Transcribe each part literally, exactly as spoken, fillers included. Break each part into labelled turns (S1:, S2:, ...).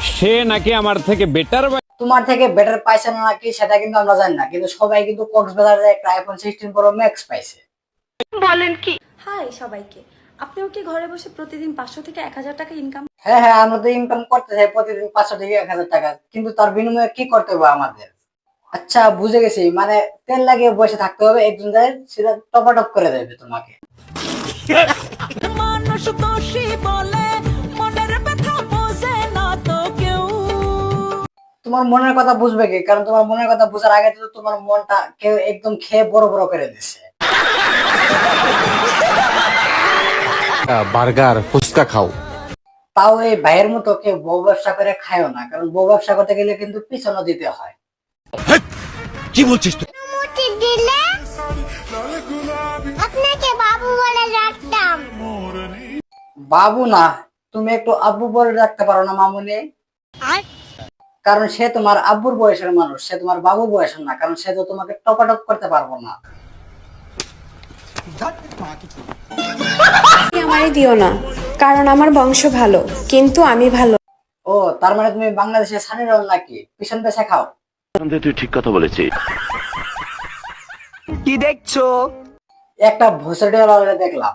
S1: সে নাকি আমার থেকে বেটার।
S2: তোমার থেকে বেটার পাইছে না নাকি সেটা কিন্তু আমরা জানি না, কিন্তু সবাই কিন্তু কক্সবাজারে একটা আইফোন সিক্সটিন প্রো ম্যাক্স পাইছে।
S3: বলেন কি?
S4: হাই সবাইকে, আপনিও কি ঘরে বসে প্রতিদিন পাঁচশো থেকে এক হাজার টাকা ইনকাম?
S2: হ্যাঁ হ্যাঁ, আমরা তো ইনকাম করতে চাই প্রতিদিন পাঁচশো থেকে এক হাজার টাকা, কিন্তু তার বিনিময়ে কি করতে হবে আমাদের? আচ্ছা বুঝে গেছি, মানে তেল লাগিয়ে বসে থাকতে হবে, একজন যায় সেটা টপাটপ করে দেবে তোমাকে।
S5: মানুষ দোষী বলে মনের ব্যথা বোঝে না তো কেউ।
S2: তোমার মনের কথা বুঝবে কি? কারণ তোমার মনের কথা বোঝার আগে তো তোমার মনটা কেউ একদম খেয়ে বড় বড় করে দিচ্ছে।
S6: বার্গার ফুচকা খাও,
S2: তাও এই ভাইয়ের মতো কেউ বউ ব্যবসা করে খায়ও না, কারণ বউ ব্যবসা করতে গেলে কিন্তু পিছনও দিতে হয়।
S6: কি বলছিস তুই?
S7: দিলে আপনাকে বাবু বলে ডাকতাম।
S2: বাবু না, তুমি একটু আব্বু বলে রাখতে পারো না মামুনি? কারণ সে তোমার আব্বুর বয়সের মানুষ, সে তোমার বাবুর বয়সের না, কারণ সে তো তোমাকে টপাটপ করতে পারবো না।
S8: আমারই দিও না, কারণ আমার বংশ ভালো, কিন্তু আমি ভালো।
S2: ও তার মানে তুমি বাংলাদেশের সানি রোল নাকি? পিছন পেছায় খাও।
S9: তুই ঠিক কথা বলেছিস।
S10: কি দেখছো?
S2: একটা ভুসড়িওয়ালা দেখলাম।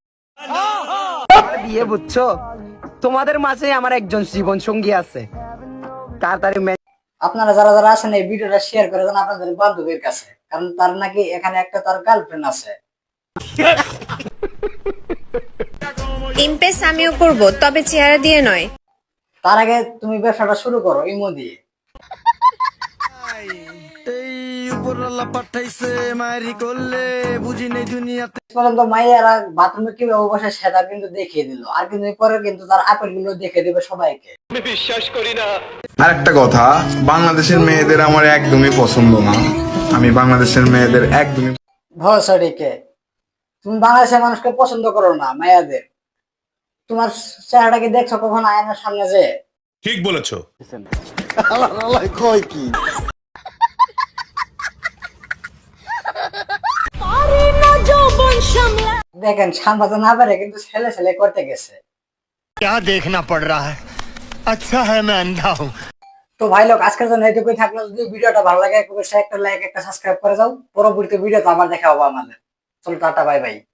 S10: বিয়ে বুঝছো? তোমাদের মাঝে আমার একজন জীবন সঙ্গী আছে, তাড়াতাড়ি।
S2: আপনারা যারা যারা আছেন এই ভিডিওটা শেয়ার করে দেন আপনাদের বান্ধবীর কাছে, কারণ তার নাকি এখানে একটা তার গার্লফ্রেন্ড আছে।
S8: ইমপ্রেস আমিও করব, তবে চেহারা দিয়ে নয়।
S2: তার আগে তুমি ব্যবসাটা শুরু করো ইমো দিয়ে। পর্যন্ত মাইয়ারা বাথরুমে কিভাবে বসে সেটা কিন্তু দেখিয়ে দিল, আর কিন্তু পরে কিন্তু তার আপেল গুলো দেখে দিবে সবাইকে।
S11: আর একটা কথা, বাংলাদেশের মেয়েদের আমার একদমই পছন্দ না। আমি বাংলাদেশের মেয়েদের একদমই
S2: ভরসাডিকে তুমি বাংলাদেশের মানুষকে পছন্দ করো না, মায়াদের। তোমার চেহারাটা কি দেখছো কখন আয়নার সামনে? যে
S6: ঠিক বলেছো।
S11: কি
S2: দেখেন সামলাতে না পারে কিন্তু ছেলে ছেলে করতে গেছে।
S6: দেখনা পড় রা হ্যায়, আচ্ছা হ্যায় मैं अंधा हूं।
S2: তো ভাই লোক আজকের জন্য এইটুকুই থাকলো। যদি ভিডিওটা ভালো লাগে একটা লাইক একটা সাবস্ক্রাইব করে যাও। পরবর্তী ভিডিওতে আবার দেখা হবে আমাদের। চলো টাটা, বাই বাই।